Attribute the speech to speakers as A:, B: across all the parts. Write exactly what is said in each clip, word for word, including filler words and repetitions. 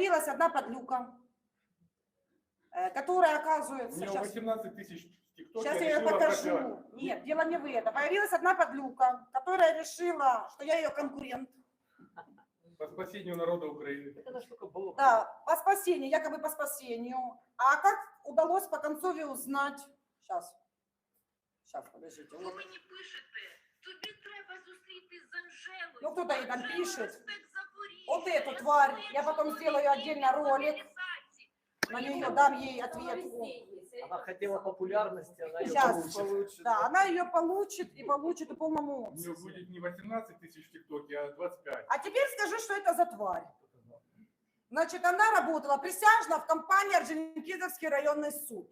A: появилась одна подлюка, которая, оказывается...
B: У него
A: сейчас,
B: восемнадцать тысяч в ТикТоке.
A: сейчас я ее покажу. Нет, дело не в этом. Появилась одна подлюка, которая решила, что я ее конкурент.
B: По спасению народа Украины.
A: Да, по спасению, якобы по спасению. А как удалось по концове узнать? Сейчас. Сейчас, подождите.
C: Ви мені пишете, тобі треба зустрітись з Анжелою.
A: Ну, кто-то ей там
C: Анжела
A: пишет.
C: Респект Запоріжжя.
A: Вот эту
C: Я
A: тварь,
C: думаю,
A: я потом
C: що
A: сделаю
C: вони
A: отдельно
C: є
A: ролик.
C: мобілізації.
A: На нее дам ей ответ.
D: Она хотела популярности, она ее
A: Сейчас.
D: получит.
A: Да, она ее получит и получит и полному
B: У него
A: обсязі.
B: будет не восемнадцать тысяч в ТикТоке, а двадцать пять.
A: А теперь скажи, что это за тварь. Значит, она работала присяжно в компании Орджоникидзевский районный суд.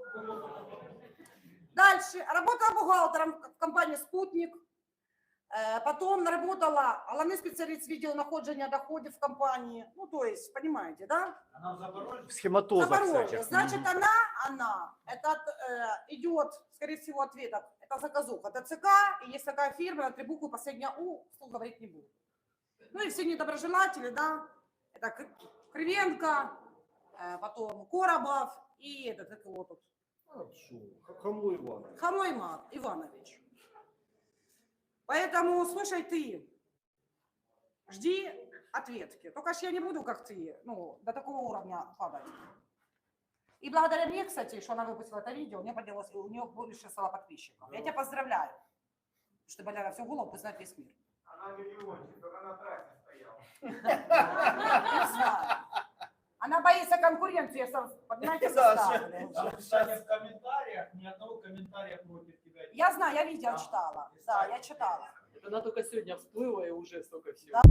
A: Дальше. Работала бухгалтером в компании «Спутник». Потом работала главный специалист видеонаходжения доходов в компании. Ну, то есть, понимаете, да?
D: Она в Запорожье? Схематоза,
A: Запорожье.
D: кстати.
A: Значит, она, она, это э, идет, скорее всего, ответок. Это заказуха ТЦК, и есть такая фирма, на три буквы, последняя У, вслух говорить не буду. Ну и все недоброжелатели, да, это Кривенко, э, потом Коробов и этот, как его тут?
D: Хамло Иван.
A: Хамло Иван Иванович. Поэтому, слушай, ты, жди ответки. Только ж я не буду, как ты, ну, до такого уровня падать. И благодаря мне, кстати, что она выпустила это видео, у нее поднялось, у нее больше стало подписчиков. Я тебя поздравляю, что Боляра всю голову знает весь мир.
B: Она миллиончик, только на трассе стояла.
A: Не знаю. Она боится конкуренции, понимаете,
D: Да,
A: составили.
D: сейчас в комментариях, ни одного комментария против тебя.
A: Я знаю, я видео читала. Да, я читала.
E: Она только сегодня всплыла и уже столько всего.
A: Да.